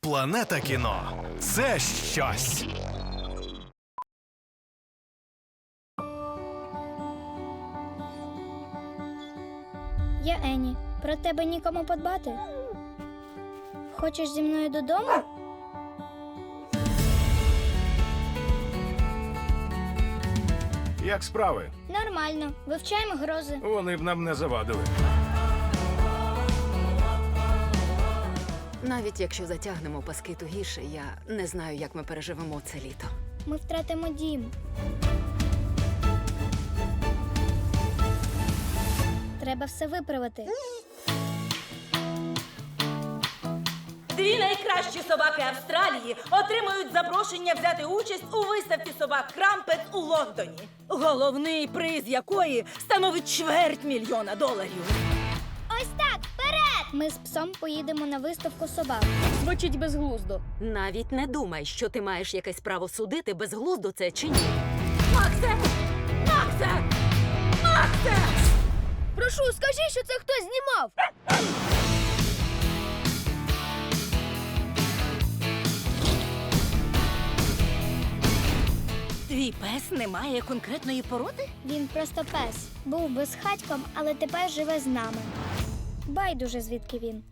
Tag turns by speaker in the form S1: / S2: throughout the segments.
S1: Планета кіно – це щось.
S2: Я Ені. Про тебе нікому подбати? Хочеш зі мною додому?
S3: Як справи?
S2: Нормально. Вивчаємо грози.
S3: Вони б нам не завадили.
S4: Навіть якщо затягнемо паски тугіше, я не знаю, як ми переживемо це літо.
S2: Ми втратимо дім. Треба все виправити.
S5: Дві найкращі собаки Австралії отримують запрошення взяти участь у виставці собак Крампет у Лондоні. Головний приз якої становить $250,000.
S2: Ось так, вперед! Ми з псом поїдемо на виставку собак.
S6: Звучить безглуздо.
S4: Навіть не думай, що ти маєш якесь право судити, безглуздо це чи ні.
S5: Максе! Максе! Максе!
S6: Прошу, скажи, що це хтось знімав.
S5: Твій пес не має конкретної породи?
S2: Він просто пес. Був безхатьком, але тепер живе з нами. Байдуже, звідки він.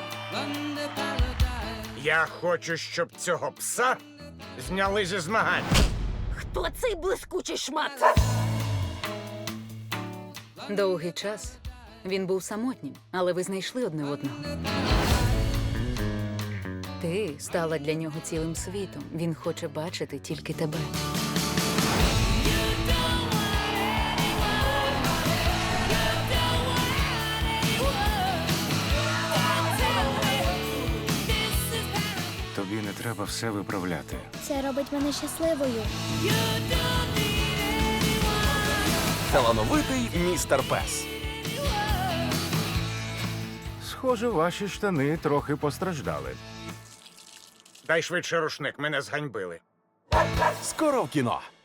S3: Я хочу, щоб цього пса зняли зі змагань.
S5: Хто цей блискучий шмат?
S4: Довгий час він був самотнім, але ви знайшли одне одного. Ти стала для нього цілим світом. Він хоче бачити тільки тебе.
S3: Тобі не треба все виправляти.
S2: Це робить мене щасливою.
S1: Талановитий містер Пес.
S3: Схоже, ваші штани трохи постраждали. Дай швидше рушник, мене зганьбили.
S1: Скоро в кіно.